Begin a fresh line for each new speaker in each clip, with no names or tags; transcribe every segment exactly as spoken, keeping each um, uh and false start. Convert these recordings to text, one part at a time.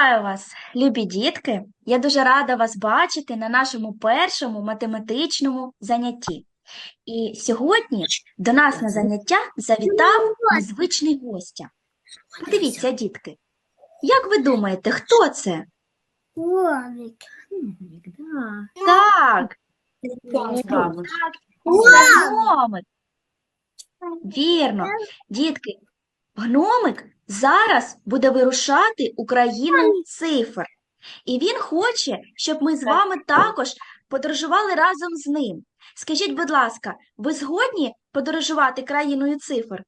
Вітаю вас, любі дітки! Я дуже рада вас бачити на нашому першому математичному занятті. І сьогодні до нас на заняття завітав незвичний гостя. Подивіться, дітки, як ви думаєте, хто це?
Гномик.
Да.
Так, так, це гномик. Вірно. Дітки, гномик зараз буде вирушати у країну цифр. І він хоче, щоб ми з вами також подорожували разом з ним. Скажіть, будь ласка, ви згодні подорожувати країною цифр?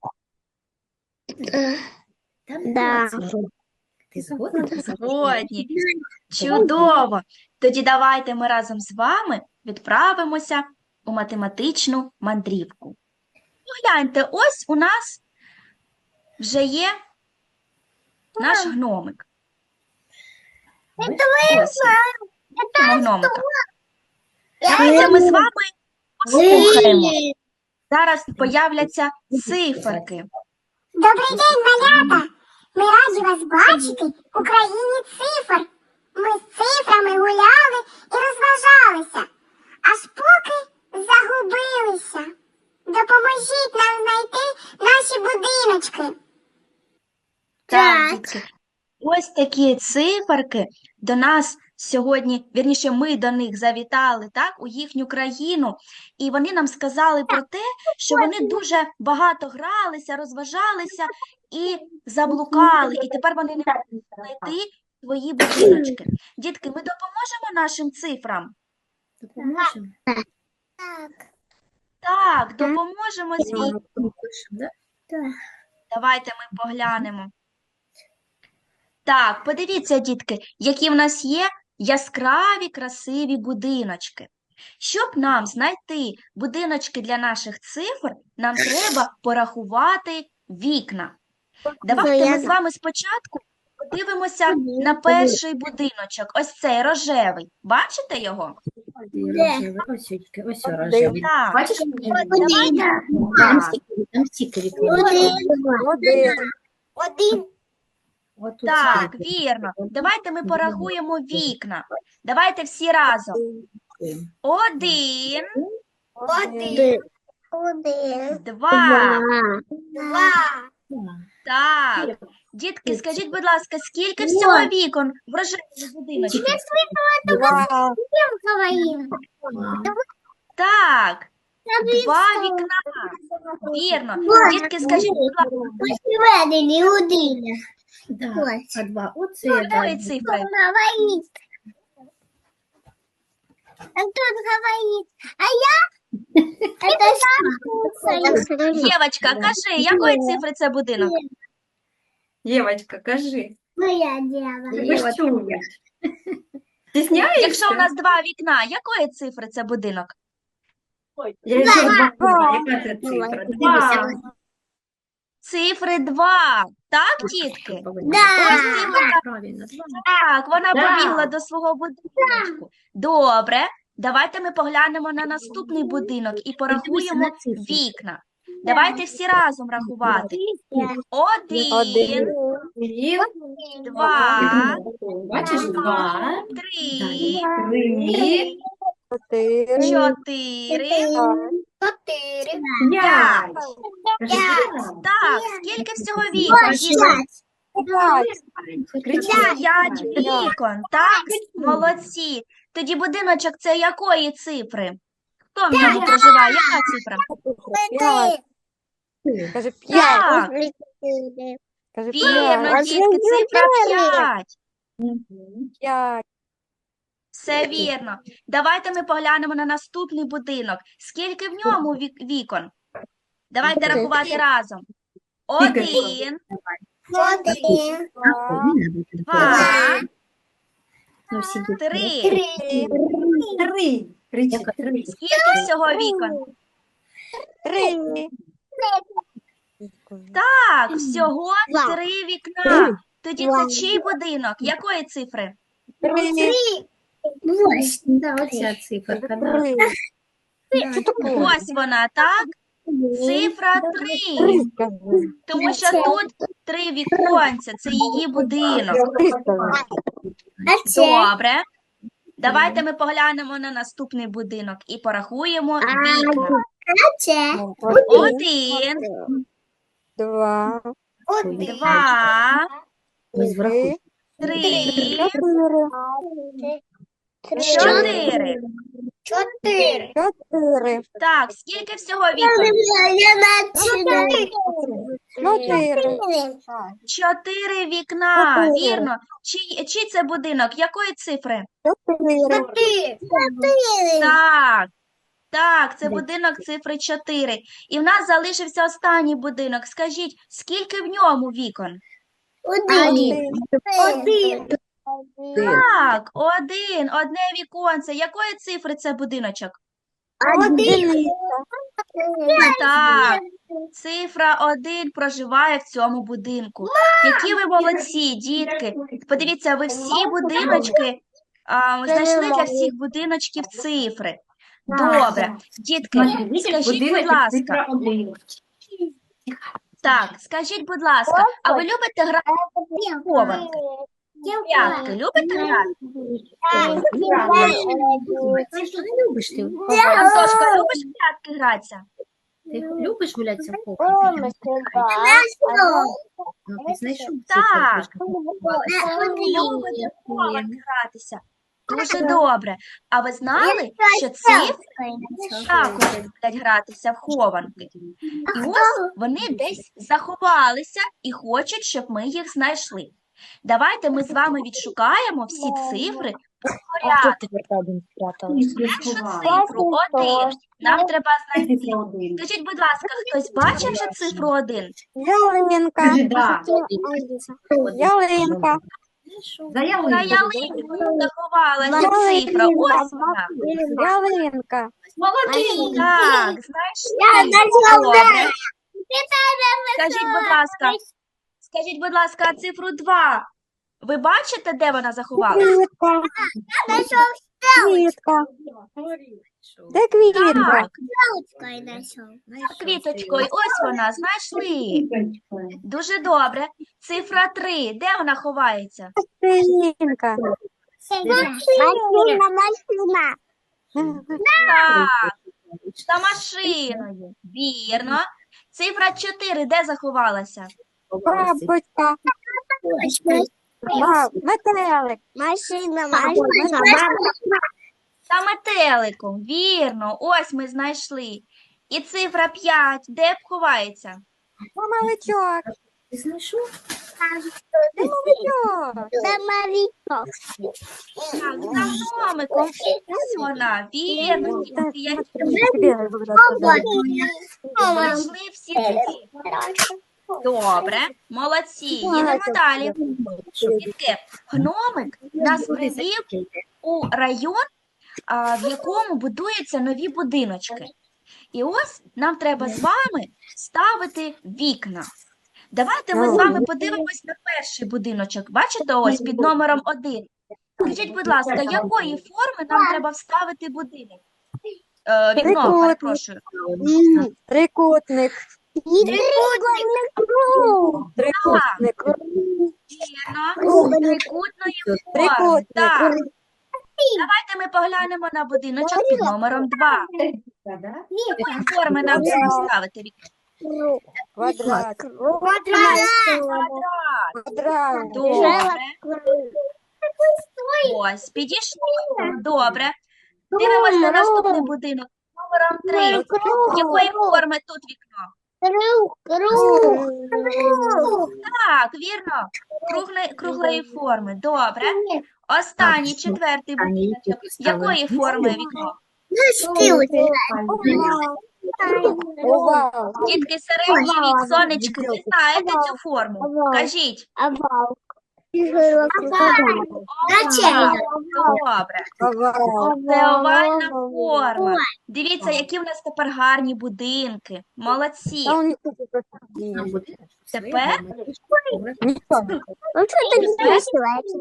Да.
Ти згодна?
Згодні. Чудово. Тоді давайте ми разом з вами відправимося у математичну мандрівку. Погляньте, ось у нас вже є наш гномик. Ось він. Бачимо гномика. Давайте ми з вами послухаємо. Зараз появляться циферки.
Добрий день, малята! Ми раді вас бачити у країні цифр. Ми з цифрами гуляли і розважалися, аж поки загубилися. Допоможіть нам знайти наші будиночки.
Так, дітки. Ось такі циферки до нас сьогодні, вірніше, ми до них завітали, так, у їхню країну, і вони нам сказали про те, що вони дуже багато гралися, розважалися і заблукали, і тепер вони не можуть знайти свої будиночки. Дітки, ми допоможемо нашим цифрам?
Допоможемо?
Так.
Так, допоможемо, звісно.
Да?
Давайте ми поглянемо. Так, подивіться, дітки, які в нас є яскраві, красиві будиночки. Щоб нам знайти будиночки для наших цифр, нам треба порахувати вікна. Давайте ми з вами спочатку подивимося на перший будиночок. Ось цей рожевий. Бачите його?
Рожевий. Ось, тільки, ось рожевий.
Так.
Бачиш?
Давайте.
Там
Так.
стільки, там стільки вікон.
Один. Один.
Отут
Так,
стільки.
вірно. Давайте ми порахуємо вікна. Давайте всі разом. Один,
Один. Один.
два.
Два.
Так. Дітки, скажіть, будь ласка, скільки всього вікон в рожевому будиночку?
Два. Говорим.
Так, два вікна. Вірно. Дітки, скажіть, будь ласка,
Введені один.
Да.
Ось.
А два. Оце,
якої
да.
цифри?
Говорит. А тут говорит. А я? Это что?
Дівочка, кажи, якої цифри це будинок?
Дівочка, кажи.
Моя дева.
Ви ж чуєш? Стісняєшся?
Якщо у нас два вікна, якої цифри це будинок?
Я ще два. Яка це цифра? Два.
Цифри два. Так, дітки?
Да.
Ось цифра.
Правильно, два.
Так, вона
Да.
побігла до свого будиночку. Добре, давайте ми поглянемо на наступний будинок і порахуємо
на цифри.
вікна. Давайте всі разом рахувати. Один,
Один.
два,
Бачиш, два.
три,
Три.
чотири,
Четыре.
П'ять.
так, скільки всього вікон? Дітки?
Кричать.
П'ять вікон, так? Молодці. Тоді будиночок це якої цифри? Хто в ньому проживає? Яка цифра?
Четыре.
Кажи
Так,
п'ять. Кажи
вірно,
п'ять.
дітки, цифра п'ять.
П'ять.
Все вірно. Давайте ми поглянемо на наступний будинок. Скільки в ньому вік- вікон? Давайте рахувати разом. Один,
Один.
два,
Ну, всі дітки.
три.
Три.
Три. Кричать. Три.
Скільки всього вікон?
Три.
Так, всього
Два.
три вікна. Тоді це чий будинок? Якої цифри?
Три.
Восемь.
Да, оця циферка, да.
Три.
Ось вона, так? Цифра три,
Три скажи.
тому що тут три віконця, це її будинок.
Три скажи.
А це?
Добре. Давайте ми поглянемо на наступний будинок і порахуємо вікна.
А це?
Один,
Два.
Один.
два,
Три.
три,
Чотири.
чотири.
Чотири.
Чотири.
Так, скільки всього вікон?
Я начинаю.
Чотири.
Чотири вікна,
Чотири.
вірно. Чий, чий це будинок? Якої цифри?
Чотири.
Чотири. Чотири.
Так, так, це будинок цифри чотири. І в нас залишився останній будинок. Скажіть, скільки в ньому вікон?
Один. Один.
Так, один, одне віконце. Якої цифри це будиночок?
Один.
Так, цифра один проживає в цьому будинку. Які ви молодці, дітки. Подивіться, ви всі будиночки а, знайшли для всіх будиночків цифри. Добре. Дітки, скажіть, будь ласка, так, скажіть, будь ласка, а ви любите грати в хованки? П'ятки любите грати?
Що не любиш ти?
Антошка, любиш в п'ятки гратися?
Ти любиш гулятися в кухні? Ну, ти знайшов
Так.
цифру.
Любите в хованки гратися? Дуже добре. А ви знали, що цифри також люблять гратися в хованки? І ось вони десь заховалися і хочуть, щоб ми їх знайшли. Давайте ми з вами відшукаємо всі цифри по порядку. Першу цифру один нам треба знайти. Скажіть, будь ласка, хтось бачив вже цифру один?
Ялинка.
Да.
Ялинка.
За
На
ялинку.
ялинку заховалася цифра. Ось вона.
Ялинка.
Молодець.
Так, знайшли. Добре. Скажіть, будь ласка, скажіть, будь ласка, цифру два. Ви бачите, де вона заховалася?
Квітка. Квітка. Де квітка?
Так, квіточкою, ось вона, знайшли. Дуже добре. Цифра три, де вона ховається?
Машинка.
Так, за машиною. Вірно. Цифра чотири, де заховалася?
Бабочка. Ба- Метелик.
Машина,
За метеликом. Вірно. Ось ми знайшли. І цифра п'ять, де б ховається?
Мамаличок.
Ти знайшов?
Мамаличок.
Так, за гномиком. Ось вона. Вірно.
Так,
Дітки, я
тебе говорят.
знайшли всі цифри. Добре, молодці. Їдемо далі. Дітки, гномик нас привів у район, а, в якому будуються нові будиночки. І ось нам треба з вами ставити вікна. Давайте ми з вами подивимось на перший будиночок. Бачите, ось під номером один. Скажіть, будь ласка, якої форми нам треба вставити будинок? Е, вікно,
Трикутник.
перепрошую.
Трикутник. Трикутник.
Вірно. Трикутної форми.
Трикутник.
Так. Давайте ми поглянемо на будиночок під номером два. Якої форми нам треба ставити вікно?
Квадрат.
Квадрат.
Квадрат.
Добре. Ось, підійшли. Добре. Дивимося на наступний будинок. Номером три. Якої форми тут вікно? Так, вірно. Круглої, круглої форми. Добре. Останній, четвертий будиночок. Якої форми вікно?
Овал.
Дітки, середній вік, сонечки, ви знаєте цю форму? Кажіть.
Начальник.
Добре.
Овал.
Це овальна форма. Дивіться, які в нас тепер гарні будинки. Молодці.
Та он не хоче просто.
Тепер
Нічого.
Ну что ты не присылаешь?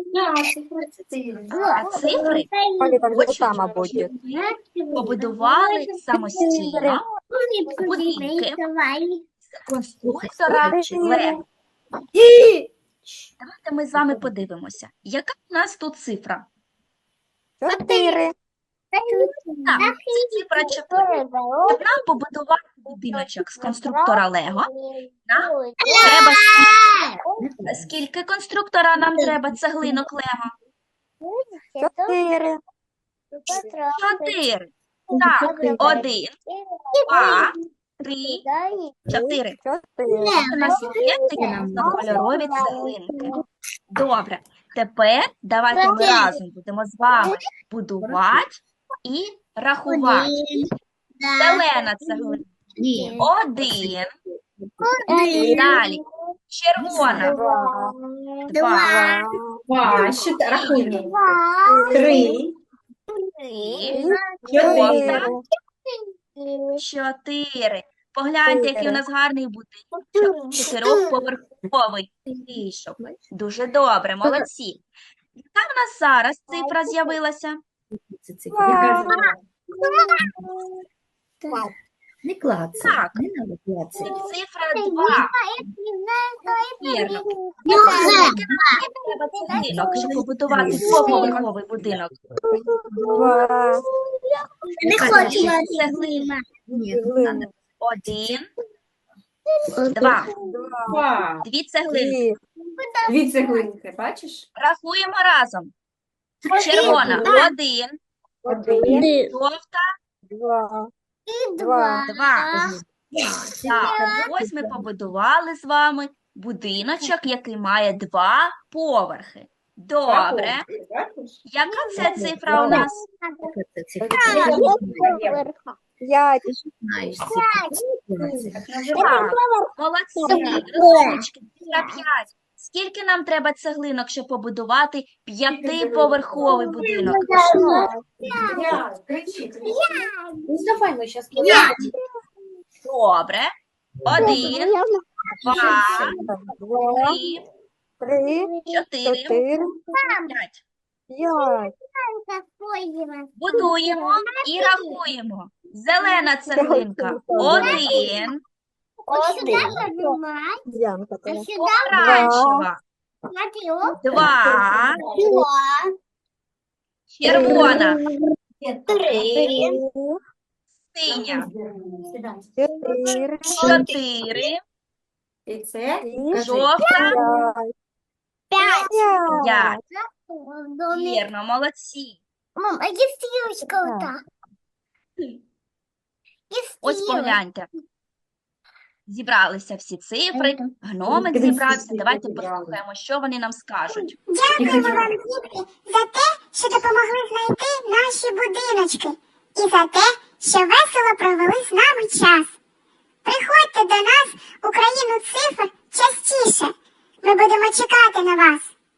а цифри
Коли там
Очень
сама буде.
побудували самостійно будинки конструктора Лего. Давайте ми з вами подивимося, яка у нас тут цифра?
Чотири.
Так, це цифра чотири. Щоб нам побудувати будиночок з конструктора Лего, нам треба скільки? Скільки конструктора нам треба цеглинок Лего?
Чотири.
Чотири. Так, один, два, три, чотири.
Чотири.
У нас є такі різнокольорові цеглинки. Добре. Тепер давайте ми разом будемо з вами будувати і рахувати. Зелена цеглинка. Один. Далі. Червона. Два.
Два, ще та- рахуємо. Три,
Три.
Чотири.
Чотири. Погляньте, який у нас гарний будинок. Чотирьохповерховий вийшов. Дуже добре, молодці. Яка в нас зараз цифра з'явилася?
це цифра. Яка зелена? Не клацай,
Так.
не надо
Це
клацати.
цифра два. Вірно. Скільки нам треба цеглинок, щоб побудувати двоповерховий будинок?
Два.
Не хочу цеглина.
Ні,
Цеглини.
Один, два.
два.
Дві цеглинки.
Три.
Дві цеглинки, бачиш?
Рахуємо разом. Червона. Один.
Один.
Жовта.
Два.
Два.
Два. Так, ось ми побудували з вами будиночок, який має два поверхи. Добре.
Бачиш?
Яка це цифра у нас?
Яка це цифра?
П'ять.
Знаєш цифру.
Так, молодці. Розумнички. Цифра п'ять. Скільки нам треба цеглинок, щоб побудувати п'ятиповерховий будинок?
Ну, давай ми зараз
Добре. Один, два,
Два.
три,
Три.
чотири,
Чотири.
п'ять.
П'ять.
Будуємо і рахуємо. Зелена цеглинка. Один.
Янка. твоя.
Помаранчева. Два. Червона.
Три.
Синя.
Чотири.
Чотири.
І це
Жовта.
П'ять.
П'ять.
Пять.
Вірно, молодці.
Мам, а где стрелочка вот так?
Ось погляньте. Зібралися всі цифри, гномик зібрався. Давайте послухаємо, що вони нам скажуть.
Дякуємо вам, дітки, за те, що допомогли знайти наші будиночки. І за те, що весело провели з нами час. Приходьте до нас у країну цифр частіше. Ми будемо чекати на вас.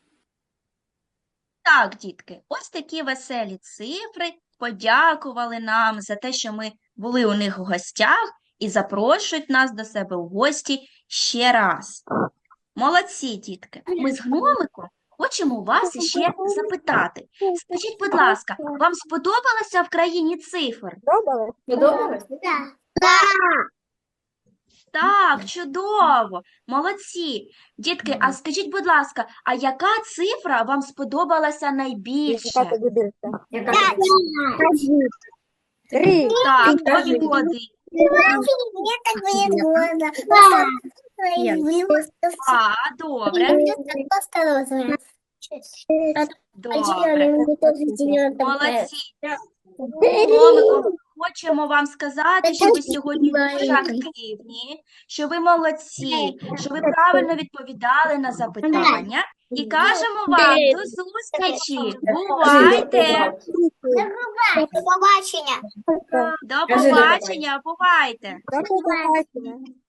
Так, дітки, ось такі веселі цифри подякували нам за те, що ми були у них у гостях і запрошують нас до себе у гості ще раз. Молодці, дітки. Ми з гномиком хочемо вас іще запитати. Скажіть, будь ласка, вам сподобалося в країні цифр?
Добре?
подобалось?
Да.
Так, чудово, молодці. Дітки, а скажіть, будь ласка, а яка цифра вам сподобалася найбільше?
Яка тобі більше?
Яка
Три.
Так, тобі один.
Мне так будет глаза.
А, добре,
Просто
добре.
розовый.
Молодці. Гномику, хочемо вам сказати, що ви сьогодні дуже активні, що ви молодці, що ви правильно відповідали на запитання. І кажемо вам до зустрічі. Бувайте!
До побачення.
До побачення, бувайте!
До побачення.